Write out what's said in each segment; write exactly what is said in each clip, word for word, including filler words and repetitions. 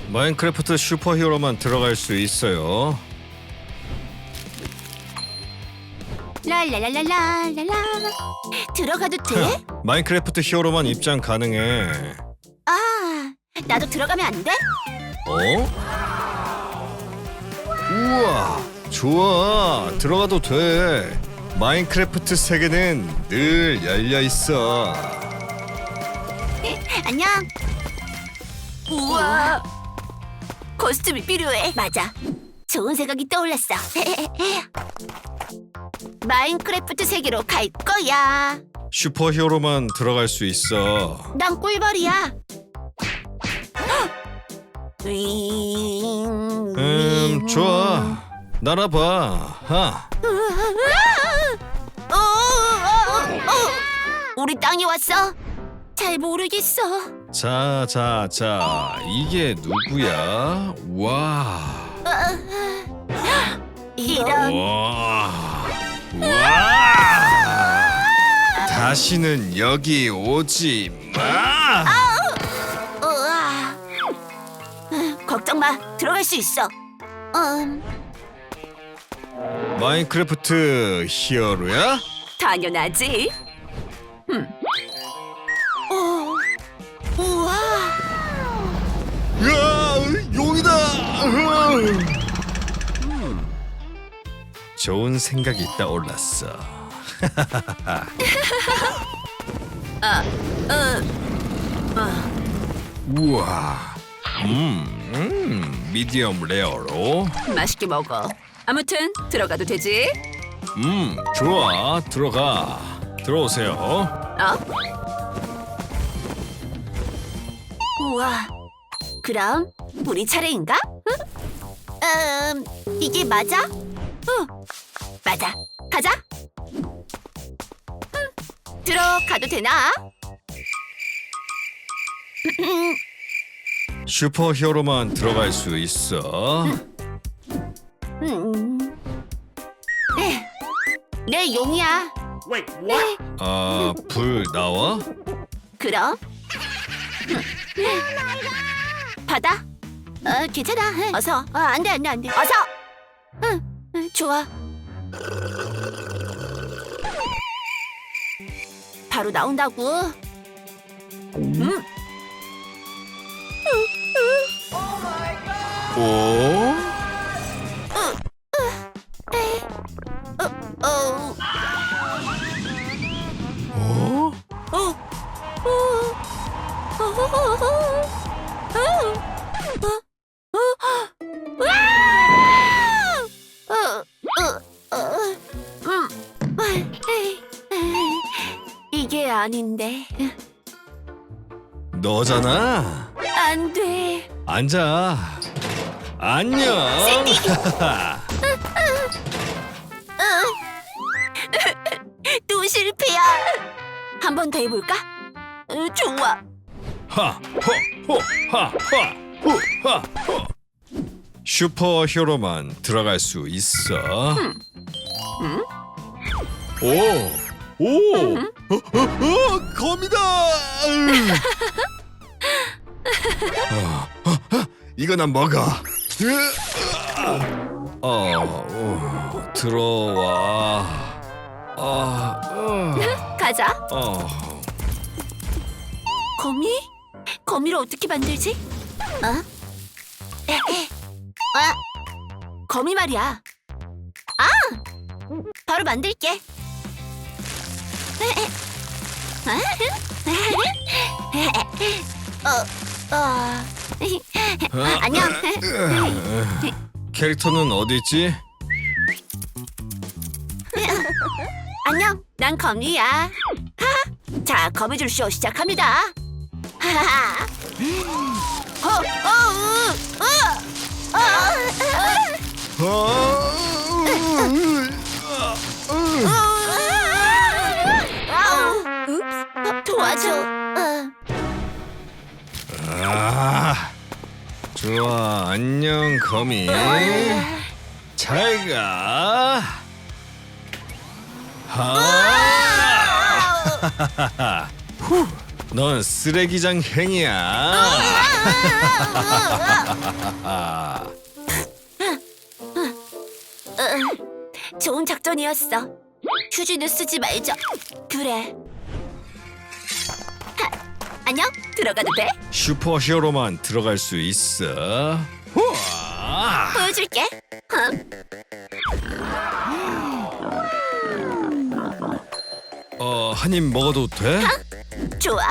마인크래프트 슈퍼히어로만 들어갈 수 있어요. 랄랄랄랄랄랄라. 들어가도 돼? 마인크래프트 히어로만 입장 가능해. 아, 나도 들어가면 안 돼? 어? 우와, 좋아. 들어가도 돼. 마인크래프트 세계는 늘 열려 있어. 안녕. 우와, 코스튬이 필요해. 맞아. 좋은 생각이 떠올랐어. 마인크래프트 세계로 갈 거야. 슈퍼히어로만 들어갈 수 있어. 난 꿀벌이야. 윙, 음, 좋아. 날아봐. 하. 어, 어, 어, 어. 우리 땅에 왔어. 잘 모르겠어. 자, 자, 자. 이게 누구야? 와. 이런. 와. 와. 다시는 여기 오지 마. 우와. 걱정 마. 들어갈 수 있어. 음, 마인크래프트 히어로야? 당연하지. 어, 우와. 야, 용이다. 음, 좋은 생각이 떠올랐어. 우와. 음, 음, 미디엄 레어로. 맛있게 먹어. 아무튼 들어가도 되지? 음, 좋아. 들어가. 들어오세요. 어? 우와. 그럼 우리 차례인가? 응? 음, 이게 맞아? 응. 맞아. 가자. 음, 들어가도 되나? 슈퍼히어로만 들어갈 수 있어. 음. 네. 내 용이야. 아, 불 나와? 그럼. 받아. 어, 괜찮아. 어서. 어, 안 돼, 안 돼, 안 돼. 어서. 응, 응, 좋아. 바로 나온다고. 음. 오? 어, 어, 어? 어, 어, 어, 이게 아닌데. 너잖아. 안 돼. 앉아. 안녕. 또 실패야. 한 번 더 해볼까? 어, 좋아. 하, 허, 호, 하, 하, 후, 하, 허. 슈퍼히어로만 들어갈 수 있어. 오, 오, 어, 어, 어, 거미다. 어, 어, 어, 이거 난 먹어. 어, 어, 들어와. 아, 어, 가자. 어. 거미? 거미를 어떻게 만들지? 어? 에헤. 아, 거미 말이야. 아, 바로 만들게. 에헤. 어, 어. 안녕. 캐릭터는 어디 있지? 안녕. 난 거미야. 하하. 자, 거미줄 쇼 시작합니다. 하하하. 어, 어, 으, 으, 어, 어, 도와줘. 어. 아, 좋아. 안녕, 거미. 잘 가. 하. 후. 넌 쓰레기장 행이야. 응, 좋은 작전이었어. 휴지는 쓰지 말자. 그래. 하, 안녕? 들어가도 돼? 슈퍼히어로만 들어갈 수 있어. 우와. 보여줄게. 응. 어, 한 입 먹어도 돼? 좋아.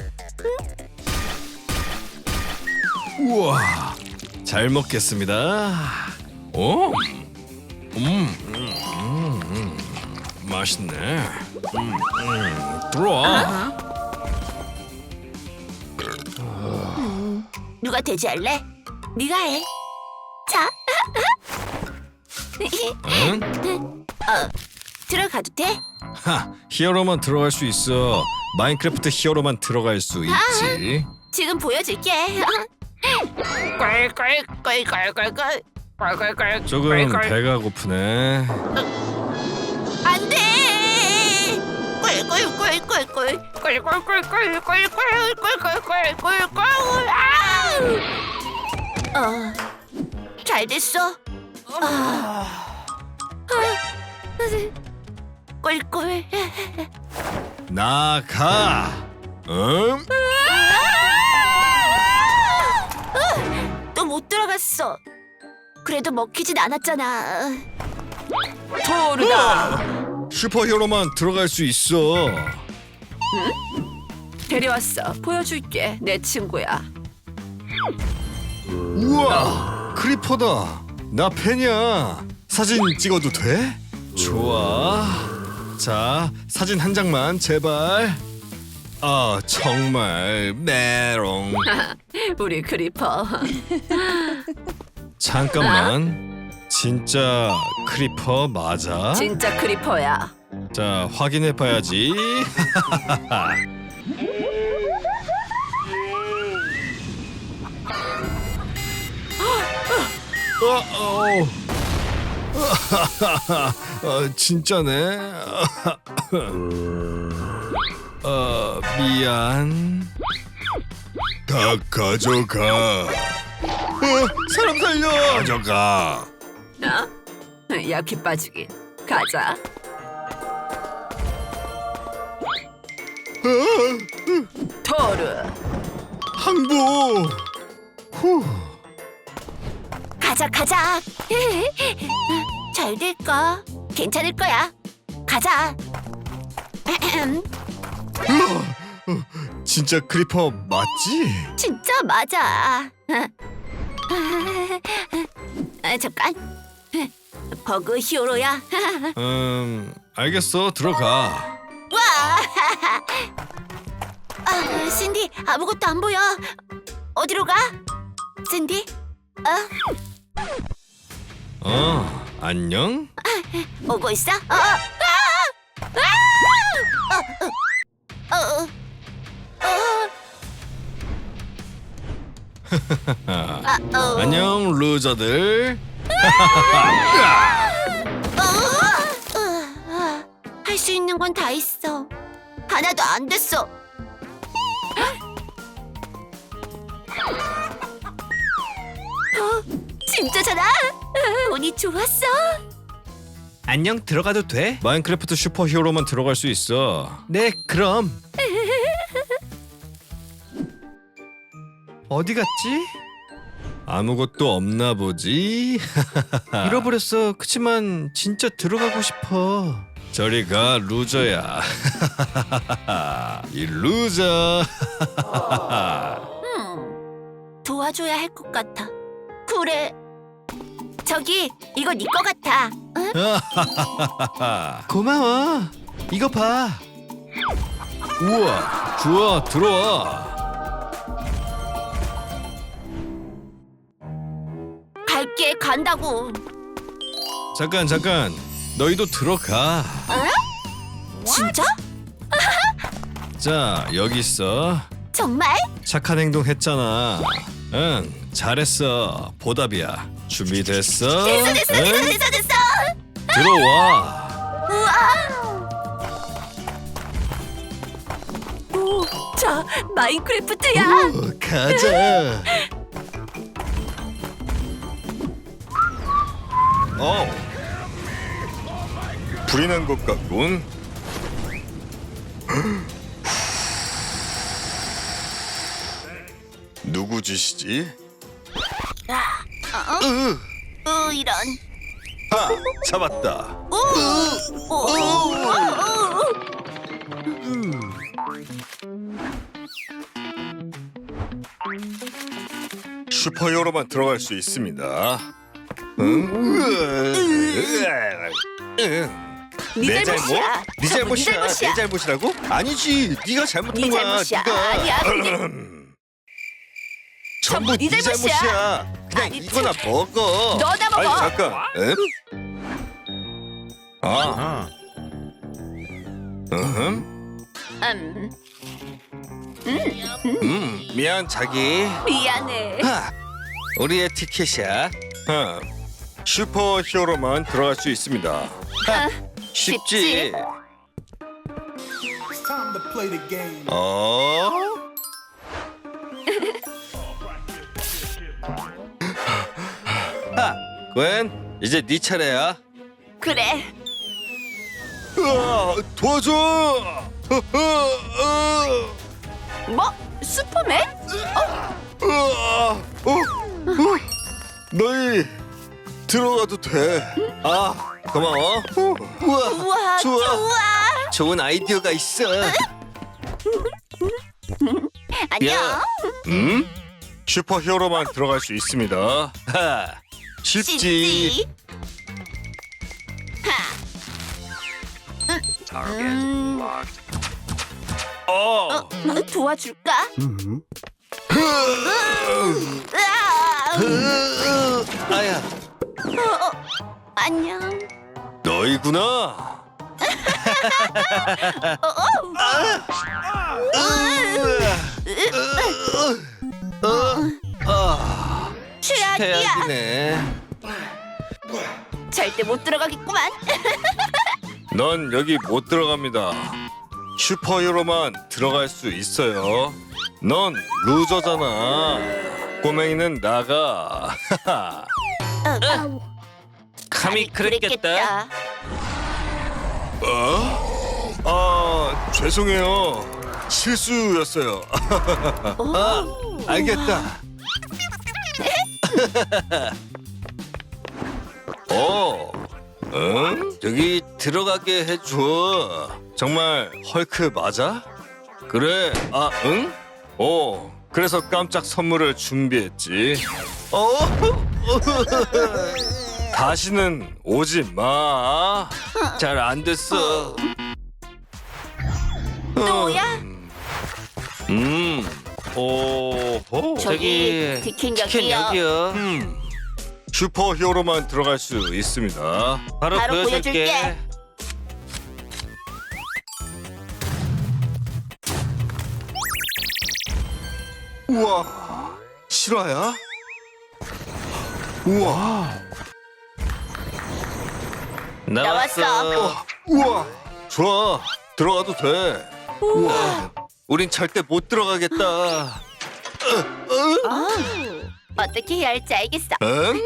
우와, 잘 먹겠습니다. 오, 음, 음, 음, 음. 맛있네. 음, 음. 들어와. 누가 돼지할래? 네가 해. 자. 응? 어, 들어가도 돼? 하, 히어로만 들어갈 수 있어. 마인크래프트 히어로만 들어갈 수 있지. 지금 보여줄게. 꿀꿀꿀꿀꿀꿀꿀꿀꿀꿀. 조금 배가 고프네. 안 돼. 꿀꿀꿀꿀꿀. 꿀꿀꿀꿀꿀꿀꿀꿀꿀꿀꿀꿀. 어, 잘 됐어. 아, 꿀꿀. 나가. 응? 또 못 들어갔어. 그래도 먹히진 않았잖아. 토르다. 슈퍼히어로만 들어갈 수 있어. 데려왔어. 보여줄게. 내 친구야. 우와, 크리퍼다. 나 팬이야. 사진 찍어도 돼? 좋아. 자, 사진 한 장만 제발. 아, 정말 메롱. 우리 크리퍼. 잠깐만. 진짜 크리퍼 맞아? 진짜 크리퍼야. 자, 확인해 봐야지. 어, 어. 어, 진짜네. 어, 미안. 다 가져가. 어, 사람 살려. 가져가. 어? 약해 빠지긴. 가자. 토르. 항복. 후. 가자 가자. 잘 될까? 괜찮을 거야. 가자. 진짜 크리퍼 맞지? 진짜 맞아. 아, 잠깐. 버그 히어로야. 음, 알겠어. 들어가. 와. 아, 신디 아무것도 안 보여. 어디로 가? 신디? 어? 어, 안녕? 오고 있어? 어, 어, 아! 아! 어, 어, 어, 어. 아, 어. 안녕, 루저들. 할 수 있는 건 다 있어. 하나도 안 됐어. 어, 진짜잖아. 운이 좋았어. 안녕, 들어가도 돼? 마인크래프트 슈퍼히어로만 들어갈 수 있어. 네, 그럼. 어디 갔지? 아무것도 없나 보지? 잃어버렸어. 그치만 진짜 들어가고 싶어. 저리 가, 루저야. 이 루저. 음, 도와줘야 할 것 같아. 그래. 저기 이거 네 거 같아. 응? 고마워. 이거 봐. 우와, 좋아, 들어와. 갈게 간다고. 잠깐, 잠깐. 너희도 들어가. 진짜? 자, 여기 있어. 정말? 착한 행동 했잖아. 응, 잘했어. 보답이야. 준비됐어? 됐어 됐어 응? 됐어 됐어 됐어. 들어와. 우와. 오, 저 마인크래프트야. 오, 가자. 어, 불이 난 것 같군. 누구 짓이지? 어? 으, 어, 이런. 하, 잡았다. 오, 오, 오, 오. 슈퍼히어로만 들어갈 수 있습니다. 응? 응. 네 내 잘못? 잘못이야. 네 전부 네 잘못이야. 잘못이야. 내 잘못이라고? 아니지. 네가 잘못한 네 거야. 잘못이야. 네가. 아니야, 그게- 전부 전부 네 네 잘못이야. 잘못이야. 그냥 아니, 이거나 먹어. 너나 먹어. 아니 잠깐. 응? 아. 음. 음, 음. 미안 자기. 미안해. 하, 우리의 티켓이야. 어. 슈퍼히어로만 들어갈 수 있습니다. 하, 쉽지. 쉽지. It's time to play the game. 어? 하, 웬 이제 네 차례야. 그래. 으아, 도와줘. 으아, 뭐? 슈퍼맨? 으아, 어, 어, 너희 들어가도 돼. 아, 고마워. 우와, 우와, 좋아. 좋아. 좋은 아이디어가 있어. 안녕. 야. 음? 슈퍼히어로만 들어갈 수 있습니다. 하, 쉽지. 쉽지. 음, 어. 어, 도와줄까? 으아! 으, 아야, 어, 어, 안녕. 너희구나. 아, 최악이야. 최악이네. 절대 못 들어가겠구만. 넌 여기 못 들어갑니다. 슈퍼히어로만 들어갈 수 있어요. 넌 루저잖아. 꼬맹이는 나가. 어, 감히 그랬겠다. 어? 아, 죄송해요. 실수였어요. 아, 알겠다. 어, 응? 여기 들어가게 해줘. 정말 헐크 맞아? 그래, 아, 응? 오, 그래서 깜짝 선물을 준비했지. 어? 다시는 오지 마. 잘 안 됐어. 또야? 음, 오, 저기 티켓 티켓 여기요. 여기요. 음. 슈퍼히어로만 들어갈 수 있습니다. 바로, 바로 보여줄게. 보여줄게. 우와, 실화야? 우와, 나왔어. 우와, 좋아, 들어가도 돼. 우와, 우린 절대 못 들어가겠다. 어, 어떻게 해야 할지 알겠어. 응?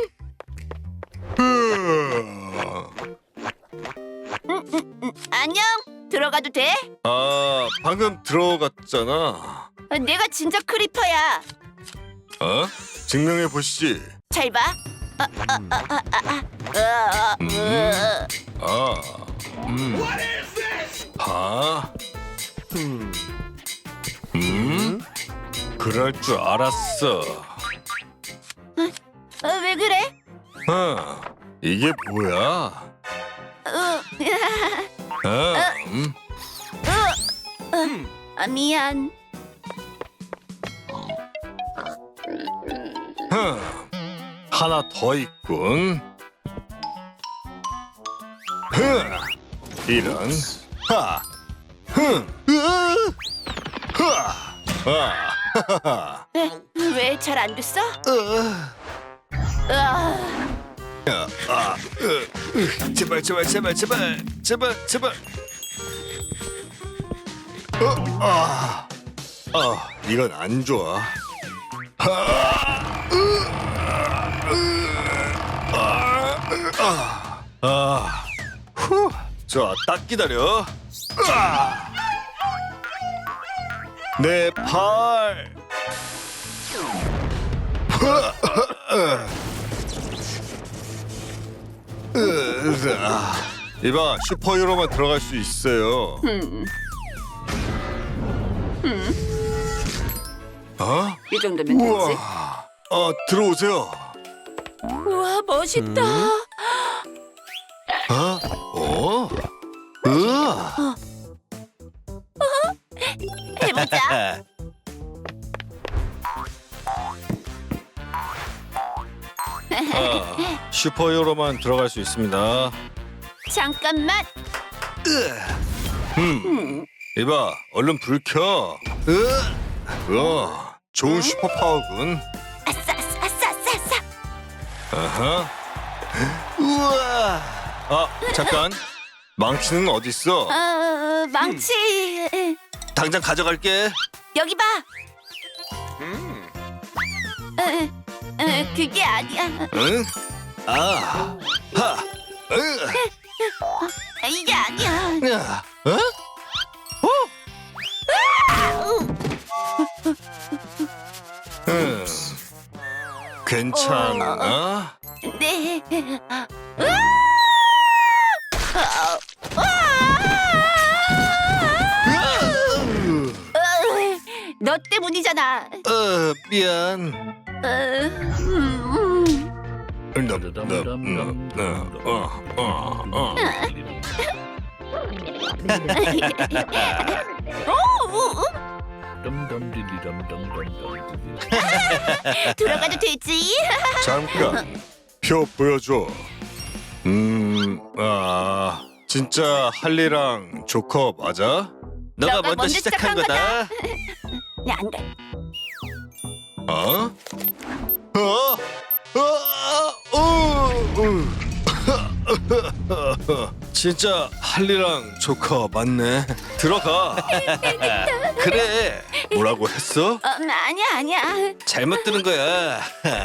안녕. 들어가도 돼? 아, 방금 들어갔잖아. 내가 진짜 크리퍼야. 어? 증명해 보시지. 잘 봐. 아, 아, 아, 아, 아, 아. 으아, 으아. 아, 음. 아, 음, 음, 그럴 줄 알았어. 어, 왜 그래? 어, 이게 뭐야? 어, 어, 음, 아, 미안. 흠, 하나 더 있군. 흐, 이런, 하, 흠, 으아, 흐아, 아, 하하하. 왜 잘 안 됐어? 으아. 으아, 아, 으, 으, 제발 제발 제발 제발 제발 제발. 어, 아, 아, 이건 안 좋아. 아, 아, 후. 자, 딱 기다려. 아. 내 팔. 이봐, 슈퍼히어로만 들어갈 수 있어요. 음, 어? 이 정도면 되지. 우와. 어, 들어오세요. 우와, 멋있다. 어? 어? 으아. 해보자. 아, 슈퍼히어로만 들어갈 수 있습니다. 잠깐만. 음. 이봐, 얼른 불 켜. 으. 어, 좋은 슈퍼파워군. 아싸, 아싸, 아싸, 아싸, 아싸. 아하. 우와. 아, 잠깐. 망치는 어디 있어? 어, 망치. 당장 가져갈게. 여기 봐. 어, 어, 그게 아니야. 응? 아. 하. 으. 이게 아니야. 야. 어? 응. 괜찮아? 네. 어, 너 때문이잖아. 어, 미안. 어, 음, 음. 너, 너, 너, 너, 어, 어, 어. 오, 들어가도 되지? 잠깐. 표 보여줘. 음, 아, 진짜 할리랑 조커 맞아? 너가, 너가 먼저, 먼저 시작한 시작한 거다. 야, 안 돼. 어? 어? 어? 어? 어? 진짜 할리랑 조커 맞네. 들어가. 그래. 뭐라고 했어? 어, 아니야, 아니야. 잘못 들은 거야.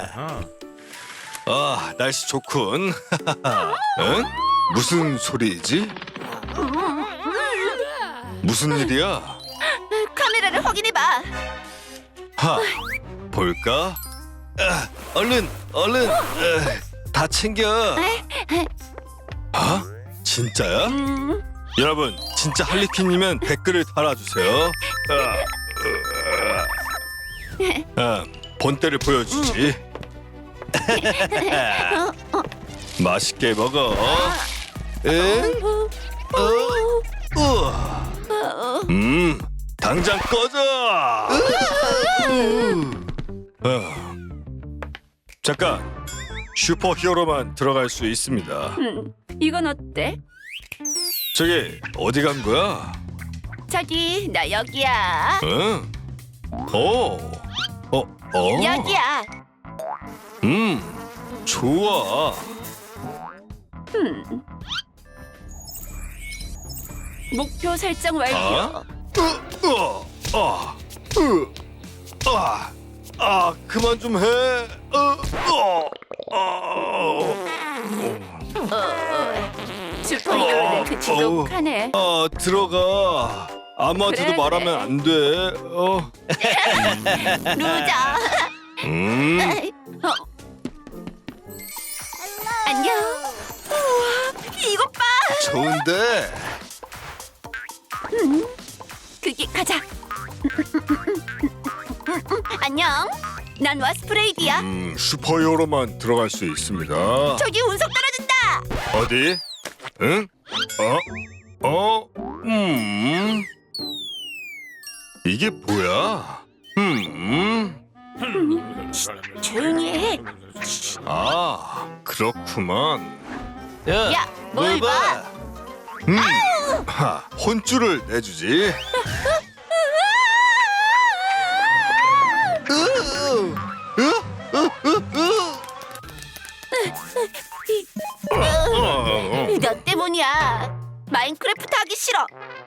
아, 날씨 좋군. 응? 무슨 소리지? 무슨 일이야? 카메라를 확인해봐. 하, 볼까? 아, 얼른, 얼른. 아, 다 챙겨. 아? 진짜야? 음, 여러분, 진짜 할리퀸이면 댓글을 달아주세요. 아, 아, 본때를 보여주지. 맛있게 먹어. 응? 어? 우와. 음, 당장 꺼져. 아, 잠깐. 슈퍼히어로만 들어갈 수 있습니다. 음, 이건 어때? 저기 어디 간 거야? 저기 나 여기야. 응? 오, 어, 어. 여기야. 음, 좋아. 음. 목표 설정 완료. 아? 으, 어, 아, 으, 아, 아, 그만 좀 해. 어, 어, 어. 슈퍼히어로는 그 지독하네. 아, 들어가. 아무한테도 그래, 말하면 그래. 안 돼. 어. 루저. 음. 어. 안녕. 우와, 이것 봐. 좋은데. 그게 가자. 안녕. 난 와스프레이드야. 음, 슈퍼히어로만 들어갈 수 있습니다. 저기 운석 떨어진다. 어디? 응? 어? 어? 음. 이게 뭐야? 음. 조용히 해. 아, 그렇구만. 야, 야, 뭘 봐? 음. 하, 혼쭐을 내주지. 너 때문이야. 마인크래프트 하기 싫어.